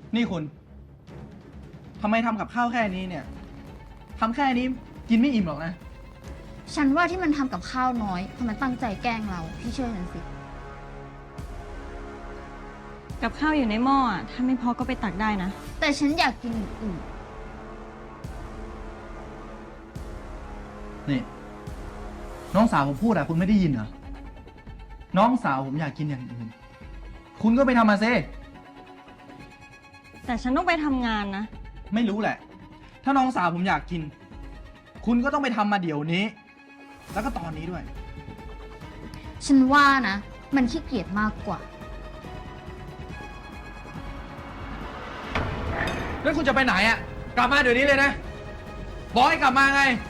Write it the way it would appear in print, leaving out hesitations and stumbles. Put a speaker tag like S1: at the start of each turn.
S1: นี่คุณทำไมทำกับข้าวแค่นี้เนี่ยทำแค่นี้กินไม่อิ่มหรอกนะ
S2: ฉันว่าที่มันทำกับข้าวน้อยเพราะมันตั้งใจแกล้งเราพี่เชื่อฉันสิ
S3: กับข้าวอยู่ในหม้ออะถ้าไม่พอก็ไปตักได้นะ
S2: แต่ฉันอยากกินอย่างอื่น
S1: นี่ น้องสาวผมพูดอะคุณไม่ได้ยินเหรอ น้องสาวผมอยากกินอย่างอื่น คุณก็ไปทำมาซิ
S3: แต่ฉันต้องไปทำงานนะ
S1: ไม่รู้แหละ ถ้าน้องสาวผมอยากกิน คุณก็ต้องไปทำมาเดี๋ยวนี้ แล้วก็ตอนนี้ด้วย
S2: ฉันว่านะ มันขี้เกียจมากกว่า
S1: แล้วคุณจะไปไหนอะกลับมาเดี๋ยวนี้เลยนะ บอกให้กลับมาไง